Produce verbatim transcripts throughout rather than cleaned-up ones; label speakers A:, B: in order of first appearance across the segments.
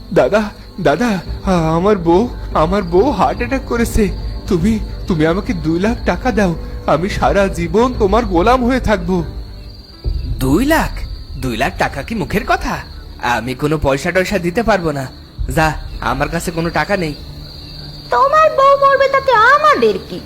A: দাদা, দাদা, আমার বউ আমার বউ হার্ট অ্যাটাক করেছে। তুমি তুমি আমাকে দুই লাখ টাকা দাও, আমি সারা জীবন তোমার গোলাম হয়ে থাকবো।
B: দুই লাখ? দুই লাখ টাকা কি মুখের কথা? আমি কোনো পয়সা টয়সা দিতে পারবো না। যা, আমার কাছে কোনো টাকা নেই।
C: তোমার বউ মরবে তাতে আমাদের কি?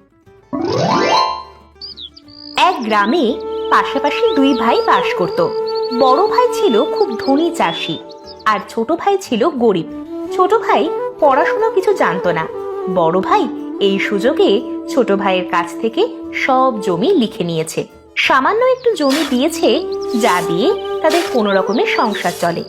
C: এক গ্রামে পাশাপাশি দুই ভাই বাস করত। বড় ভাই ছিল খুব ধনী চাষি, আর ছোট ভাই ছিল গরিব। ছোট ভাই পড়াশোনা কিছু জানতো না। বড় ভাই এই সুযোগে ছোট ভাইয়ের কাছ থেকে সব জমি লিখে নিয়েছে। সামান্য একটু জমি দিয়েছে, যা দিয়ে তাদের কোনো রকমের সংসার চলে।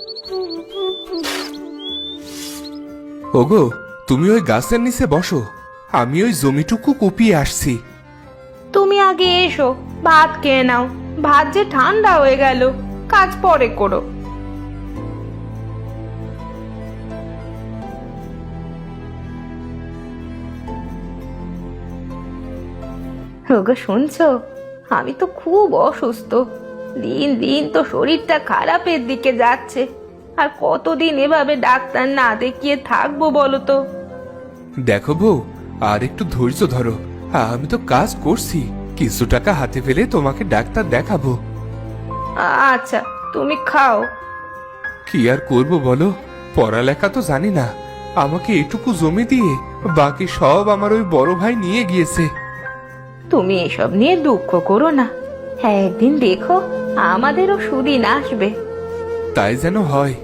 A: ওগো, তুমি ওই গাছের নিচে বসো, আমি ওই জমিটুকু কুপিয়ে আসছি।
C: তুমি আগে এসো, ভাত খেয়ে নাও। ভাত যে ঠান্ডা হয়ে গেল, কাজ পরে করো। ওগো শুনছো, আমি তো খুব অসুস্থ। দিন দিন তো শরীরটা খারাপের দিকে যাচ্ছে। আর কতদিন এভাবে ডাক্তার না দেখিয়ে থাকবো বলো তো?
A: দেখো বউ, আর একটু ধৈর্য ধরো, আমি তো কাজ করছি। কিছু টাকা হাতে পেলে তোমাকে ডাক্তার দেখাবো।
C: আচ্ছা, তুমি খাও।
A: কি আর করবো বলো, পড়ালেখা তো জানি না। আমাকে এটুকু জমি দিয়ে বাকি সব আমার ওই বড় ভাই নিয়ে গিয়েছে।
C: তুমি এসব নিয়ে দুঃখ করো না, হ্যাঁ একদিন দেখো আমাদেরও সুদিন আসবে।
A: তাই যেন হয়।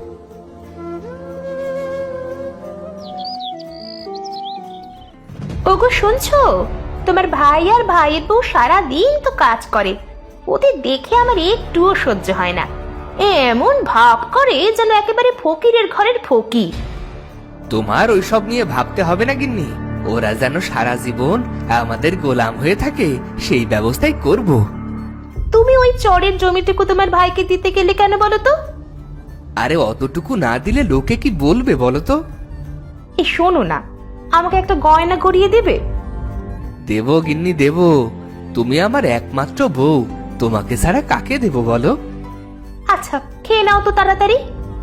C: ওগো শুনছো, তোমার ভাই আর ভাইয়ের বউ সারা দিন তো কাজ করে। ওদের দেখে আমার একটুও সহ্য হয় না। এমন ভাব করে যেন একেবারে ফকিরের ঘরের ফকির।
B: তোমার ওইসব নিয়ে ভাবতে হবে না গিন্নি। ওরা যেন সারা জীবন আমাদের গোলাম হয়ে থাকে, সেই ব্যবস্থাই করব।
C: তুমি ওই চরের জমিটুকু তোমার ভাইকে দিতে গেলে কেন বলো তো?
B: আরে অতটুকু না দিলে লোকে কি বলবে বলো তো?
C: এই শোনো না, আমাকে একটা গয়না গড়িয়ে দেবে?
B: দেব গিন্নি দেব, তুমি আমার একমাত্র বউ, তোমাকে ছাড়া কাকে দেব বলো?
C: আচ্ছা, খেয়ে নাও তো তাড়াতাড়ি।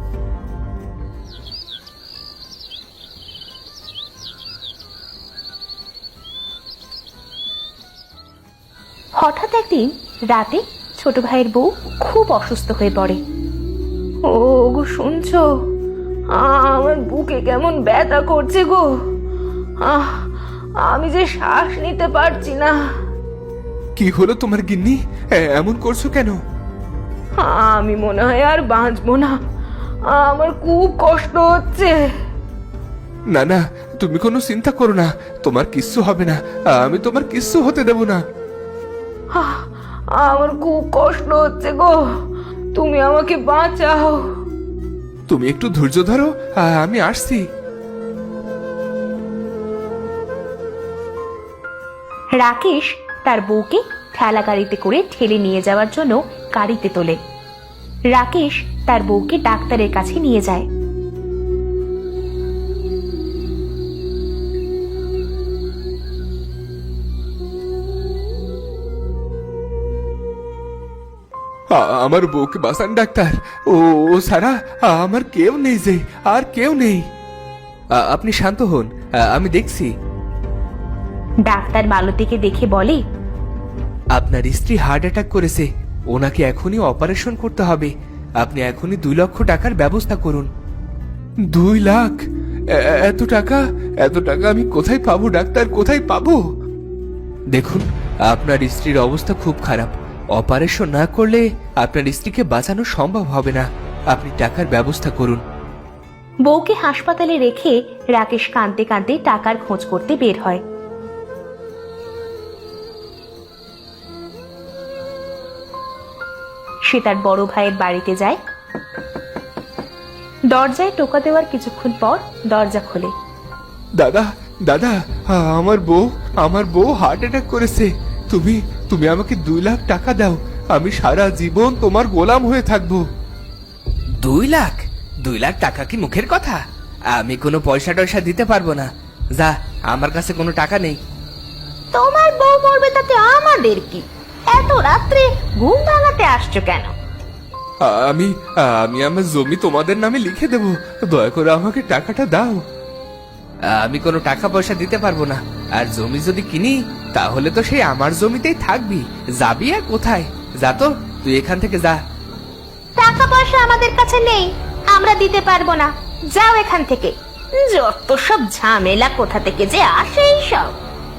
C: হঠাৎ একদিন রাতে ছোট ভাইয়ের বউ খুব অসুস্থ হয়ে পড়ে। ও গো শুনছো, আমার বুকে কেমন ব্যথা করছে গো। আহ, আমি যে শ্বাস নিতে পারছি না।
A: কি হলো তোমার গিন্নি, এ- এমন করছো কেন?
C: আমি মনে হয় আর বাঁচবো না, আমার খুব কষ্ট হচ্ছে।
A: না না, তুমি কোনো চিন্তা করো না, তোমার কিচ্ছু হবে না। আমি তোমার কিচ্ছু হতে দেব না।
C: আহ, আমার খুব কষ্ট হচ্ছে গো, তুমি আমাকে বাঁচাও।
A: তুমি একটু ধৈর্য ধরো, আমি আসছি।
C: রাকেশ তার বউকে ঠেলা গাড়িতে করে ঠেলে নিয়ে যাওয়ার জন্য গাড়িতে তোলে। রাকেশ তার বউকে ডাক্তারের কাছে নিয়ে যায়।
A: আ- আমার বউকে বাঁচান ডাক্তার। ও ও সারা, আমার কেউ নেই, যে আর কেউ নেই।
B: আ- আপনি শান্ত হন, আ- আমি দেখছি।
C: ডাক্তার মালতীকে দেখে বলে,
B: আপনার স্ত্রী হার্ট অ্যাটাক করেছে, ওনাকে এখনই অপারেশন করতে হবে। আপনি এখনই দুই লক্ষ টাকার ব্যবস্থা করুন।
A: দুই লাখ? এ- এত টাকা? এত টাকা আমি কোথায় পাবো ডাক্তার, কোথায় পাবো?
B: দেখুন, আপনার স্ত্রীর অবস্থা খুব খারাপ। অপারেশন না করলে আপনার স্ত্রীকে বাঁচানো সম্ভব হবে না। আপনি টাকার ব্যবস্থা করুন।
C: বউকে হাসপাতালে রেখে রাকেশ কাঁদতে কাঁদতে টাকার খোঁজ করতে বের হয়। সে তার বড় ভাইয়ের বাড়িতে যায়। দরজায় টোকা দেওয়ার কিছুক্ষণ পর দরজা খোলে।
A: দাদা, দাদা, আমার বউ আমার বউ হার্ট অ্যাটাক করেছে। তুমি তুমি আমাকে দুই লাখ টাকা দাও, আমি সারা জীবন তোমার গোলাম হয়ে থাকবো।
B: দুই লাখ? দুই লাখ টাকা কি মুখের কথা? আমি কোনো পয়সা টয়সা দিতে পারবো না। যা, আমার কাছে কোনো টাকা নেই।
C: তোমার বউ মরবে তাতে আমাদের কি? এত রাত্রে ঘুম ভাঙাতে আসছো কেন?
A: আমি আমি আমার জমি তোমাদের নামে লিখে দেব, দয়া করে আমাকে টাকাটা দাও।
B: আমি কোনো টাকা পয়সা দিতে পারবো না, আর জমি যদি কিনি তাহলে তো সেই আমার জমিতেই থাকবি, যাবি আর কোথায়? যা তো, তুই এখান থেকে যা।
C: টাকা পয়সা আমাদের কাছে নেই, আমরা দিতে পারবো না, যাও এখান থেকে। যত সব ঝামেলা কোথা থেকে যে আসে সব।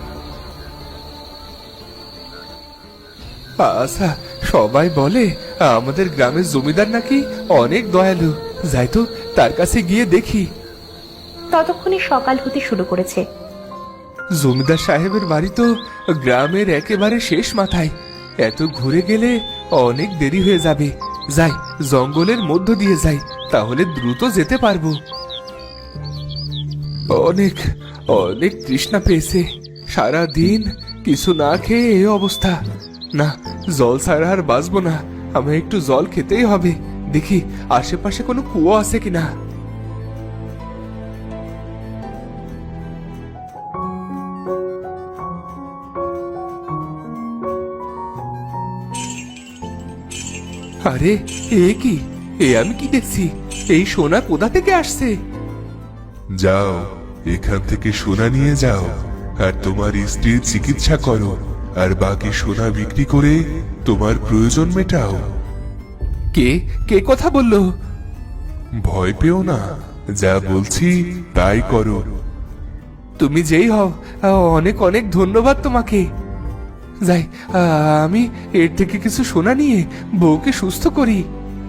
A: আচ্ছা, সবাই বলে আমাদের গ্রামের জমিদার নাকি অনেক দয়ালু, যাই তো তার কাছে গিয়ে দেখি।
C: ততক্ষণে সকাল হতে শুরু করেছে।
A: জমিদার সাহেবের বাড়ি তো গ্রামের একেবারে শেষ মাথায়, এত ঘুরে গেলে অনেক দেরি হয়ে যাবে। যাই, জঙ্গলের মধ্য দিয়ে যাই, তাহলে দ্রুত যেতে পারবো। অনেক অনেক তৃষ্ণা পেয়েছে, সারা দিন কিছু না খেয়ে এই অবস্থা। না, জল ছাড়া আর বাঁচবো না, আমার একটু জল খেতেই হবে। দেখি আশেপাশে কোনো কুয়ো আছে কিনা। আরে, এ কি? এ আমি কি দেখছি? এই সোনা কোথা থেকে আসছে?
D: যাও, এখান থেকে সোনা নিয়ে যাও আর তোমার স্ত্রীর চিকিৎসা করো, আর বাকি সোনা বিক্রি করে তোমার প্রয়োজন মেটাও।
A: কে কে কথা বললো?
D: ভয় পেও না, যা বলছি তাই করো।
A: তুমি যেই হও, অনেক অনেক ধন্যবাদ তোমাকে। যাই, আমি এর থেকে কিছু সোনা নিয়ে বউকে সুস্থ করি।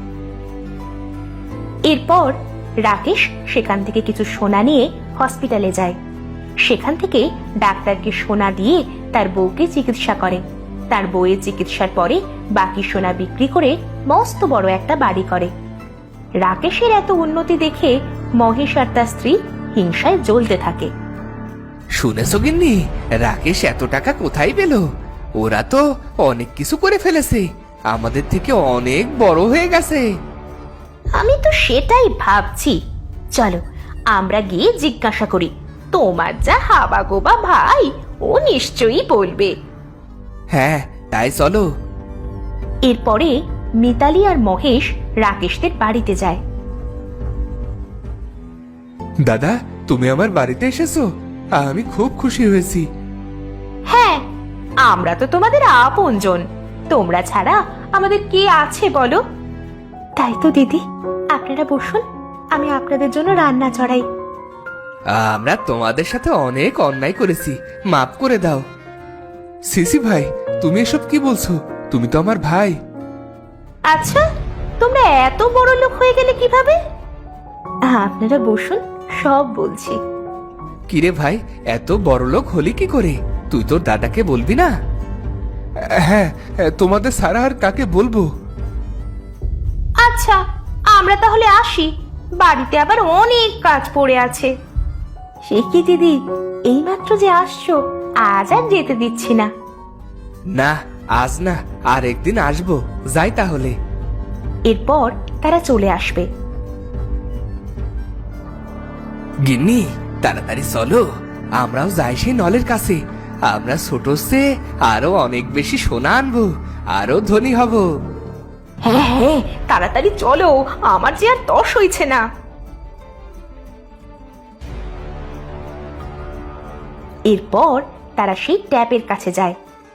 C: এরপর রাকেশ সেখান থেকে কিছু সোনা নিয়ে হসপিটালে যায়। সেখান থেকে ডাক্তারকে সোনা দিয়ে তার বউকে চিকিৎসা করে। তার বউয়ের চিকিৎসার পরে বাকি সোনা বিক্রি করে মস্ত বড় একটা বাড়ি করে। রাকেশের এত উন্নতি দেখে মহেশ আর তার স্ত্রী হিংসায় জ্বলতে থাকে।
B: শুনেছো গিন্নি, রাকেশ এত টাকা কোথায় পেল? ওরা তো অনেক কিছু করে ফেলেছে, আমাদের থেকে অনেক বড় হয়ে গেছে।
C: আমি তো সেটাই ভাবছি, চলো আমরা গিয়ে জিজ্ঞাসা করি। তোমার যা হাবা গোবা ভাই, ও নিশ্চয়ই বলবে।
B: হ্যাঁ, তাই চলো।
C: এরপরে মিতালি আর মহেশ রাকেশদের বাড়িতে যায়।
A: দাদা, তুমি আমার বাড়িতে এসেছো, আমি খুব খুশি হয়েছি।
C: হ্যাঁ, আমরা তো তোমাদের আপনজন, তোমরা ছাড়া আমাদের কে আছে বলো? তাই তো দিদি, আপনারা বসুন, আমি আপনাদের জন্য রান্না চড়াই।
B: আমরা তোমাদের সাথে অনেক অন্যায় করেছি, মাফ করে দাও।
A: সিসি ভাই, তুমি এসব কি বলছো? তুমি তো আমার ভাই।
C: আচ্ছা, তোমরা এত বড় লোক হয়ে গেলে কিভাবে? আপনারা বসুন, সব বলছি।
B: কিরে ভাই, এত বড় লোক হলি কি করে? তুই তোর দাদাকে বলবি না?
A: হ্যাঁ, তোমাদের সারা আর কাকে বলবো?
C: আচ্ছা, আমরা তাহলে আসি, বাড়িতে আবার অনেক কাজ পড়ে আছে। সে কি দিদি, এইমাত্র যে আসছো, আজ আর যেতে দিচ্ছি না।
B: না, আজ না, আর একদিন আসবো, যাই তাহলে।
C: এরপর তারা চলে আসবে।
B: গিন্নি, তাড়াতাড়ি চলো, আমরাও যাই সেই নলের কাছে। আমরা ছোট সে আরো অনেক বেশি সোনা আনবো, আরো ধনী হব।
C: হ্যাঁ হ্যাঁ, তাড়াতাড়ি চলো, আমার যে আর তর সইছে না। এরপর তারা সেই ট্যাপের কাছে যায়।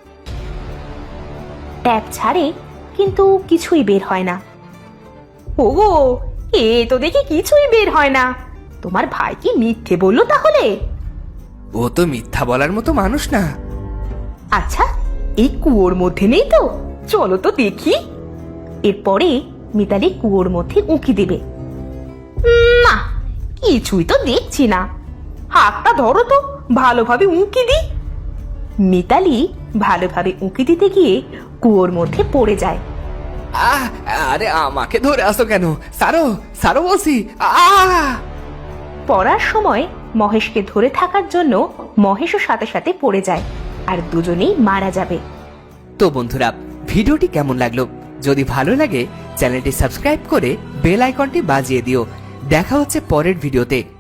C: ট্যাপ ছাড়ে, কিন্তু কিছুই বের হয় না। ওগো, এ তো দেখি কিছুই বের হয় না। তোমার ভাই কি মিথ্যে বললো তাহলে?
B: ও তো মিথ্যা বলার মতো মানুষ না।
C: আচ্ছা, এই কুয়োর মধ্যে নেই তো? চলো তো দেখি। এরপরে মিতালি কুয়োর মধ্যে উঁকি দেবে। না, কিছুই তো দেখছি না। হাতটা ধরো তো, ভালোভাবে উঁকি দি। মিতালি ভালোভাবে উঁকি দিতে গিয়ে কুয়োর মধ্যে পড়ে যায়।
B: আহ, আরে আমাকে ধরে আসো কেন? সারো, সারো বলছি। আহ!
C: পড়ার সময় মহেশকে ধরে থাকার জন্য মহেশও সাথে সাথে পড়ে যায়, আর দুজনেই মারা যাবে।
B: তো বন্ধুরা, ভিডিওটি কেমন লাগলো? যদি ভালো লাগে চ্যানেলটি সাবস্ক্রাইব করে বেল আইকনটি বাজিয়ে দিও। দেখা হচ্ছে পরের ভিডিওতে।